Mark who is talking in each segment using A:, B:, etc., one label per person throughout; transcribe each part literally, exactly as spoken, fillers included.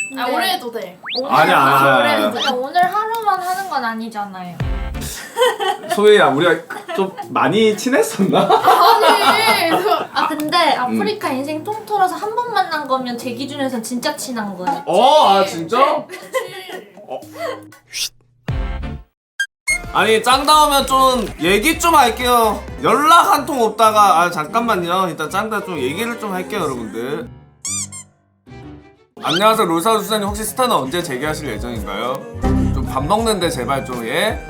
A: 아 오래 해도 돼.
B: 아니야, 아니야,
C: 오래
B: 아니야.
C: 해도 돼. 오늘 하루만 하는 건 아니잖아요.
B: 소희야, 우리가 좀 많이 친했었나?
A: 아니.
C: 아 근데 아프리카 인생 통틀어서 한 번 만난 거면 제 기준에선 진짜 친한 거예요.
B: 어, 아 진짜? 어. 아니 짱 나오면 좀 얘기 좀 할게요. 연락 한 통 없다가 아 잠깐만요. 일단 짱다 좀 얘기를 좀 할게요, 여러분들. 안녕하세요, 롤사우 수사님. 혹시 스타는 언제 재개하실 예정인가요? 좀 밥 먹는데 제발 좀 예.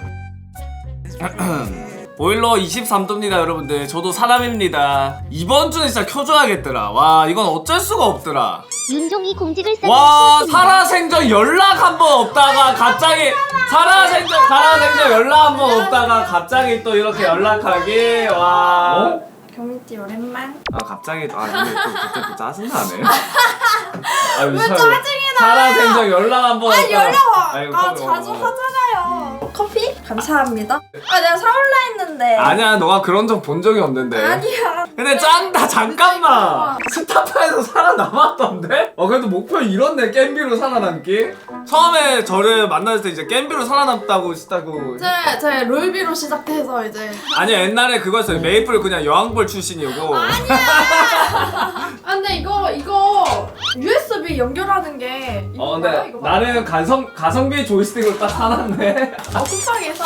B: 보일러 이십삼 도입니다 여러분들. 저도 사람입니다. 이번 주는 진짜 켜줘야겠더라. 와 이건 어쩔 수가 없더라.
D: 윤종이 공직을 쌓는
B: 와 살아생전 연락 한 번 없다가 갑자기 살아생전 살아생전 연락 한 번 없다가 갑자기 또 이렇게 연락하기. 와. 어?
A: 경민띠 오랜만.
B: 아 갑자기 아 근데 또 갑자기 또 짜증나네. 아,
A: 왜 짜증이 나?
B: 살아생전 연락 한 번.
A: 아 연락 와.
B: 아이고,
A: 아
B: 커피
A: 자주
B: 먹어.
A: 하잖아요. 커피? 감사합니다. 아 내가 사올라 했는데.
B: 아니야 너가 그런 적 본 적이 없는데.
A: 아니야.
B: 근데 짱다 잠깐만 스타파에서 살아남았던데? 어 그래도 목표 이뤘네. 겜비로 살아남기. 처음에 저를 만났을 때 이제 겜비로 살아남다고 했다고.
A: 제, 제 롤비로 시작해서 이제.
B: 아니 옛날에 그거였어요. 메이플 그냥 여왕벌 출신이고.
A: 아니야. 아 근데 이거 이거 유에스비 연결하는 게. 이거
B: 어 근데
A: 뭐야, 이거
B: 나는 가성 가성비 조이스틱으로 딱 사놨네.
A: 어 쿠팡에서.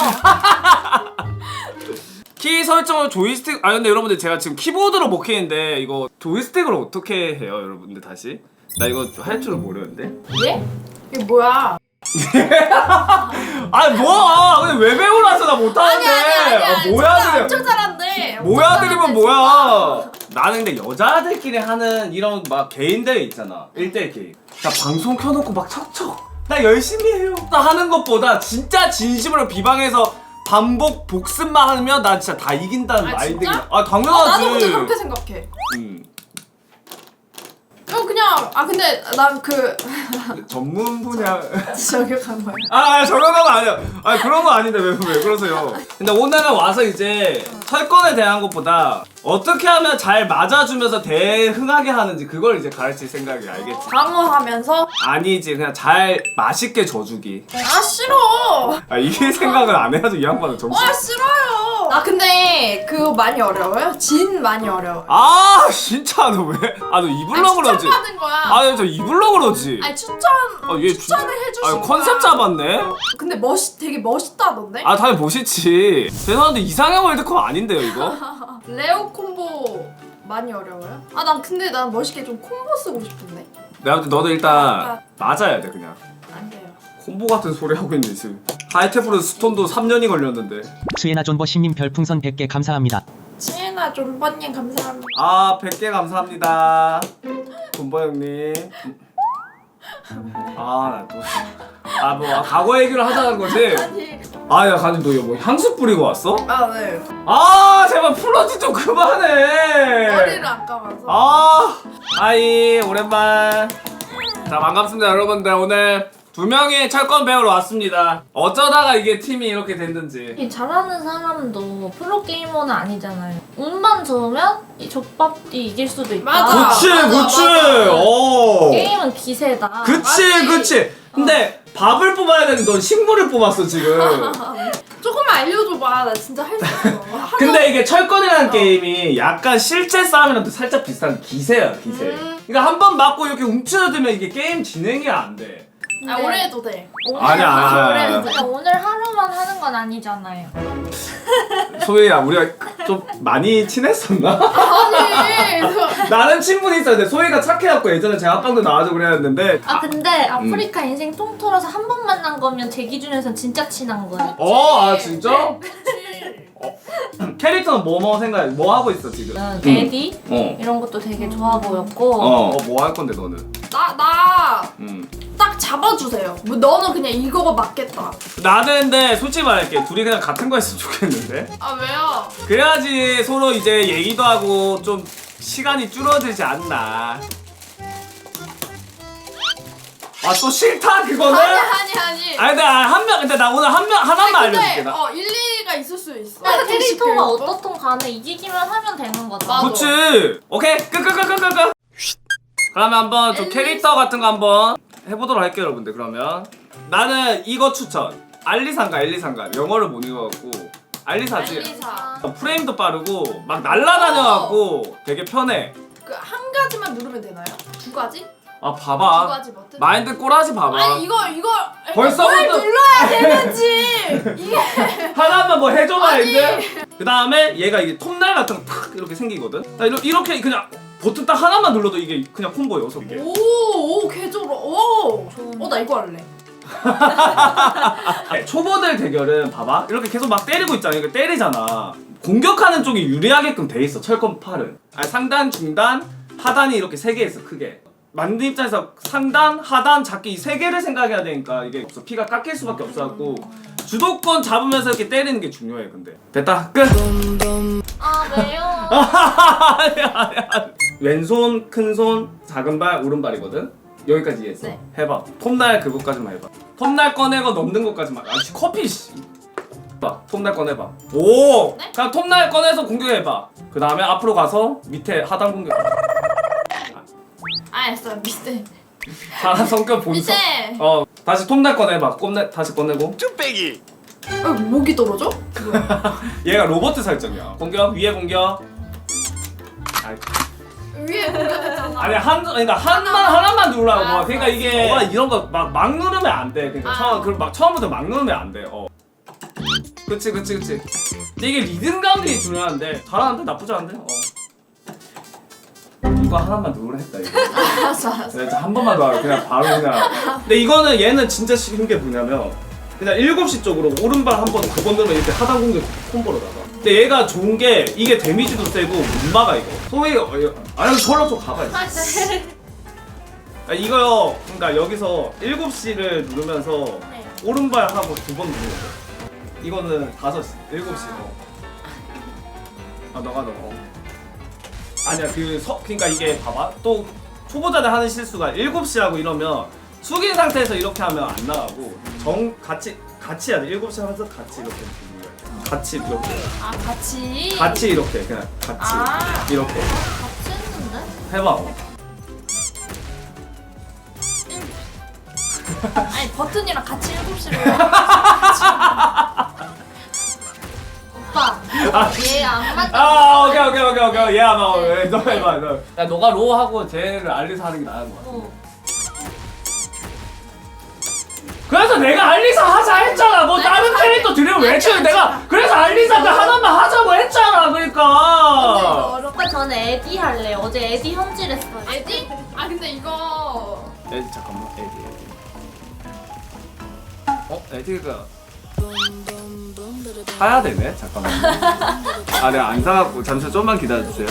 B: 키 설정을 조이스틱. 아 근데 여러분들 제가 지금 키보드로 못 키는데 이거 조이스틱으로 어떻게 해요, 여러분들 다시? 나 이거 할 줄은 모르는데.
A: 예? 이게 뭐야?
B: 아니 뭐야? 근데 왜 배우라서 나 못하는데?
A: 아니 아니 아니.
B: 아, 뭐야
A: 진짜
B: 그래?
A: 엄청 잘한대. 엄청
B: 뭐야 드리면
A: 잘한대,
B: 뭐야? 나는 근데 여자들끼리 하는 이런 막 개인 대회 있잖아. 일 대일 게임. 나 방송 켜놓고 막 척척 나 열심히 해요. 나 하는 것보다 진짜 진심으로 비방해서 반복 복습만 하면 나 진짜 다 이긴다는
A: 아,
B: 마인드.
A: 진짜?
B: 아
A: 어,
B: 당연하지.
A: 나도 근데 그렇게 생각해.
B: 음.
A: 어 그냥 아 근데 난 그
B: 전문 분야.
A: 저격한 거야.
B: 아 저런 거 아니야. 아 그런 거 아닌데 왜 왜 그러세요? 근데 오늘은 와서 이제 철권에 대한 것보다 어떻게 하면 잘 맞아주면서 대흥하게 하는지 그걸 이제 가르칠 생각이. 알겠지?
A: 방어하면서.
B: 아니지 그냥 잘 맛있게 져주기.
A: 아 싫어.
B: 아 이게 생각을 안 해야지 이 양반은 정신.
A: 아 싫어요. 아 근데 그거 많이 어려워요? 진 많이 어려워요.
B: 아 진짜 너 왜? 아 너 입을러 그러지?
A: 추천받은 거야.
B: 아니 저 입을러 그러지?
A: 아니 추천
B: 아, 얘
A: 추천을
B: 주-
A: 해주신
B: 아
A: 거야.
B: 컨셉 잡았네?
A: 근데 멋있 되게 멋있다던데?
B: 아 당연히 멋있지. 죄송한데 이상형 월드컵 아닌데요 이거?
A: 레오 콤보 많이 어려워요? 아 난 근데 난 멋있게 좀 콤보 쓰고 싶은데.
B: 내가 볼 때 너도 일단 맞아야 돼 그냥.
A: 안 돼요.
B: 콤보 같은 소리 하고 있네 지금. 하이테프로 스톤도 삼 년이 걸렸는데.
E: 수예나 존버 신님 별풍선 백 개 감사합니다.
A: 지혜나 존버님 감사합니다.
B: 아 백 개 감사합니다. 군보 형님. 아또아뭐 과거 얘기를 하자는 거지?
A: 아니
B: 아야 가님 너 이거 뭐 향수 뿌리고 왔어?
A: 아 네.
B: 아 제발 플러지 좀 그만해.
A: 머리를 안 감아서.
B: 아 하이 오랜만. 자 반갑습니다 여러분들. 오늘 두 명의 철권 배우러 왔습니다. 어쩌다가 이게 팀이 이렇게 됐는지.
C: 이 잘하는 사람도 프로게이머는 아니잖아요. 운만 좋으면 이 족밥이 이길 수도 있다.
A: 맞아.
B: 그치
A: 맞아,
B: 그치.
A: 맞아.
B: 오.
C: 게임은 기세다.
B: 그치
A: 맞지?
B: 그치. 근데 밥을 뽑아야 되는데 넌 식물을 뽑았어 지금.
A: 조금만 알려줘봐. 나 진짜 할 수 있어. 하도-
B: 근데 이게 철권이라는 게임이 약간 실제 싸움이랑 또 살짝 비슷한 기세야 기세.
A: 음.
B: 그러니까 한 번 맞고 이렇게 움츠러들면 이게 게임 진행이 안 돼.
A: 아 오래 해도 돼.
C: 오늘
B: 아니야, 아니야,
C: 오래
B: 아니야.
C: 해도 돼. 오늘 하루만 하는 건 아니잖아요.
B: 소희야 우리가 좀 많이 친했었나?
A: 아니.
B: 나는 친분이 있었는데 소희가 착해갖고 예전에 제가 합방도 나와주고 그랬는데.
C: 아 근데 아프리카 인생 통틀어서 한 번 만난 거면 제 기준에선 진짜 친한 거예요.
B: 어? 아 진짜?
A: 그치.
B: 캐릭터는 뭐뭐 생각해? 뭐 하고 있어 지금?
C: 저는 데디
B: 어.
C: 이런 것도 되게 좋아 보였고
B: 어. 뭐 할 건데 너는?
A: 나 나.
B: 음.
A: 딱 잡아주세요. 뭐 너는 그냥 이거가 맞겠다.
B: 나는 근데 솔직히 말할게. 둘이 그냥 같은 거 했으면 좋겠는데?
A: 아 왜요?
B: 그래야지 서로 이제 얘기도 하고 좀 시간이 줄어들지 않나. 아 또 싫다 그거는?
A: 아니 아니 아니.
B: 아니 근데 한 명 근데 나 오늘 한 명 하나만
A: 아니, 근데,
B: 알려줄게 나.
A: 어 일리가 있을 수 있어.
C: 그러니까
A: 택시
C: 캐릭터가
A: 그런 거?
C: 어떻든 간에 이기기만 하면 되는 거죠.
A: 맞아.
B: 그치. 오케이 끝끝끝끝끝. 그러면 한번 좀 캐릭터 같은 거 한번 해보도록 할게요 여러분들. 그러면 나는 이거 추천. 알리산가 엘리산가 영어를 못 읽어갖고 알리사지.
A: 알리사.
B: 프레임도 빠르고 막 날라다녀갖고 되게 편해.
A: 그 한 가지만 누르면 되나요? 두 가지?
B: 아
A: 두
B: 봐봐.
A: 가지 버튼?
B: 마인드 꼬라지 봐봐.
A: 아니 이거 이거
B: 벌써부터-
A: 뭘 눌러야 되는지 이게
B: 하나만 뭐 해줘
A: 아니.
B: 마인드. 그 다음에 얘가 이게 톱날 같은 거 탁 이렇게 생기거든. 나 이렇게, 이렇게 그냥 버튼 딱 하나만 눌러도 이게 그냥 콤보여서 이게.
A: 오오 개조로 오. 어 나 이거 할래.
B: 네, 초보들 대결은 봐봐 이렇게 계속 막 때리고 있잖아. 이거 때리잖아. 공격하는 쪽이 유리하게끔 돼 있어. 철권 팔은 아니, 상단 중단 하단이 이렇게 세 개 있어 크게. 만든 입장에서 상단 하단 작게 이 세 개를 생각해야 되니까 이게 없어. 피가 깎일 수밖에 없어갖고 주도권 잡으면서 이렇게 때리는 게 중요해. 근데 됐다 끝.
C: 아 왜요?
B: 아니야 아니야. 왼손 큰손 작은 발 오른발이거든. 여기까지 이해했어.
A: 네.
B: 해봐. 톱날 그거까지만 해봐. 톱날 꺼내고 넘는 것까지만. 아 커피 씨. 봐. 톱날 꺼내봐. 오.
A: 네?
B: 그냥 톱날 꺼내서 공격해봐. 그 다음에 앞으로 가서 밑에 하단 공격.
A: 알았어 밑에
B: 사람 성격 본성.
A: 밑에.
B: 어 다시 톱날 꺼내봐. 꼽내 다시 꺼내고.
A: 어, 목이 떨어져?
B: 얘가 로버트 설정이야. 공격 위에 공격. 아이,
A: 위에 공격했잖아.
B: 아니 한 그러니까 한만 하나만 누르라고.
A: 알았어,
B: 그러니까 이게 너가 이런 거 막 막 누르면 안 돼. 그러니까
A: 아.
B: 처음 그막 처음부터 막 누르면 안 돼. 어. 그치 그치 그치. 근데 이게 리듬감이 중요한데 잘하는데 나쁘지 않은데. 어. 이거 하나만 누르라 했다 이거.
A: 알았어 알았어.
B: 네, 한 번만 더 하고 그냥 바로 그냥. 근데 이거는 얘는 진짜 쉬운 게 뭐냐면 그냥 일곱 시 쪽으로 오른발 한 번 두 번 넣으면 이렇게 하단 공격 콤보로 나가. 근데 얘가 좋은 게 이게 데미지도 세고 못 막아 이거. 소위 어, 이거- 아니 저런 쪽 가봐. 이거. 아, 이거요. 그러니까 여기서 일곱 시를 누르면서
C: 네.
B: 오른발 하고 두 번 누르는 거. 이거는 다섯 시, 일곱 시. 어. 아 너가 너. 어. 아니야 그 서, 그러니까 이게 봐봐. 또 초보자들 하는 실수가 일곱 시라고 이러면 숙인 상태에서 이렇게 하면 안 나가고 정 같이 같이 해야 돼. 일곱 시 하면서 같이 이렇게 눌러야 돼. 같이 이렇게.
A: 아 같이.
B: 같이 이렇게 그냥 같이
A: 아.
B: 이렇게
C: 같이 했는데?
B: 해봐.
A: 아니 버튼이랑 같이 일곱 시를.
C: 오빠 얘 안 맞다.
B: 아 오케이 오케이 오케이 오케이. 얘 아마 왜 너 해봐 너. 야 너가 로 하고 쟤를 알리사 하는 게 나은 거야.
C: 어.
B: 그래서 내가 알리사 하자 했잖아. 뭐
A: 아니,
B: 다른
A: 아니,
B: 캐릭터 들으면 왜
A: 아니,
B: 치는
A: 아니,
B: 내가 그래서 알리사를 하나만 하자고 했잖아. 그러니까.
C: 오빠 저는 에디 할래. 어제 에디 현질했어요.
A: 에디? 아 근데 이거
B: 에디 잠깐만 에디 에디. 어 에디가 사야 되네. 잠깐만. 아 내가 안 사갖고 잠시 좀만 기다려주세요.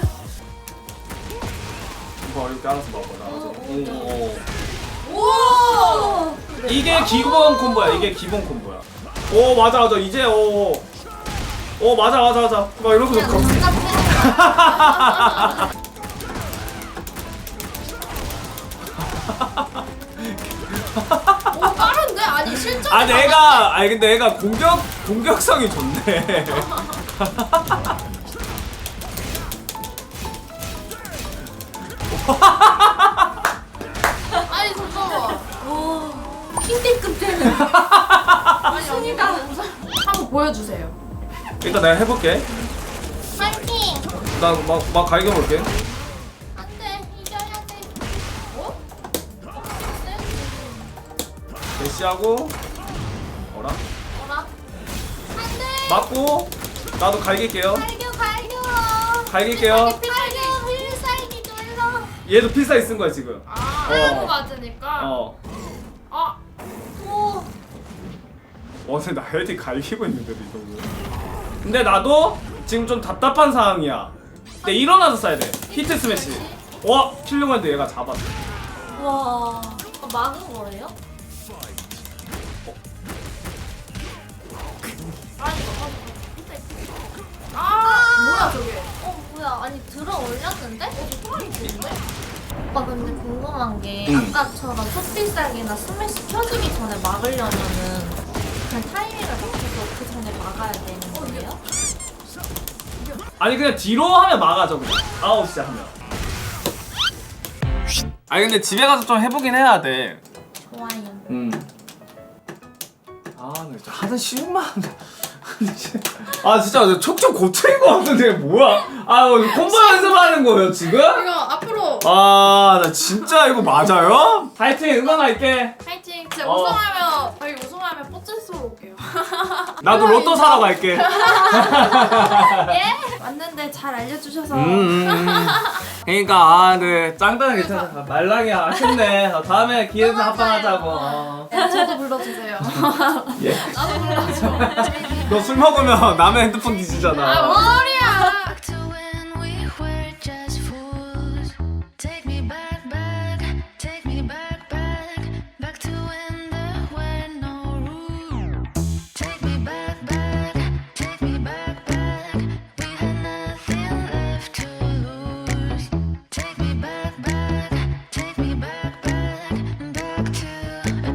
B: 이거 이렇게 알아서 먹어라. 오.
A: 오.
B: 이게 기본 콤보야. 이게 기본 콤보야. 오 맞아 맞아. 이제 오. 오 맞아 맞아 맞아. 막 이러고
C: 그냥
B: 거.
C: 진짜
A: 오 빠른데? 아니 실전.
B: 아 내가 아니 근데 얘가 공격 공격성이 좋네.
A: 아니 잠깐만.
C: 오 킹대급 되는.
A: 아니 언니가 한번 보여주세요.
B: 일단 내가 해볼게.
C: 파이팅.
B: 나막막 갈겨볼게.
C: 안돼 이겨야 돼.
A: 어?
B: 대시하고 어라
C: 뭐라? 안돼.
B: 맞고 나도 갈길게요.
C: 갈겨 갈겨.
B: 갈길게요.
C: 갈겨 필살기 눌러.
B: 얘도 필살기 쓴 거야 지금.
A: 아
B: 어.
A: 하고 맞으니까.
B: 어.
A: 아
C: 오.
B: 어제 나 헤디 갈기고 있는데도 이거. 근데 나도 지금 좀 답답한 상황이야. 근데 일어나서 써야 돼. 히트 스매시. 와 킬려고 했는데 얘가 잡았어.
C: 와. 어, 막은 거예요?
A: 아, 뭐야 저게?
C: 어 뭐야? 아니 들어 올렸는데? 오빠 근데 궁금한 게
B: 응.
C: 아까처럼 톱필살기나 스매시 켜지기 전에 막으려면은 그냥 타이밍을 맞춰서 그 전에 막아야 되는 거예요?
B: 아니 그냥 뒤로 하면 막아줘 그냥. 아홉 시 하면. 아니 근데 집에 가서 좀 해보긴 해야 돼.
C: 좋아요.
B: 음. 아, 나 진짜 하는 쉬운 마음. 아 진짜 척척 고쳐인 것 같은데 뭐야? 아 콤보 연습하는 거예요 지금?
A: 이거 앞으로
B: 아 나 진짜 이거 맞아요? 파이팅 응원할게.
A: 파이팅. 진짜
B: 어.
A: 우승하면 저희 우승하면 뽀찌스로 올게요.
B: 나도 로또 사러 갈게.
A: 예? 왔는데 잘 알려주셔서
B: 음, 음, 음. 그러니까 아네 짱단은 괜찮아. 말랑이 아쉽네. 어, 다음에 기회에서 합방하자고. 어.
A: 네, 저도 불러주세요.
B: 예.
A: 나도 불러줘.
B: 너 술 먹으면 남의 핸드폰 뒤지잖아.
A: 아, 뭔 소리야.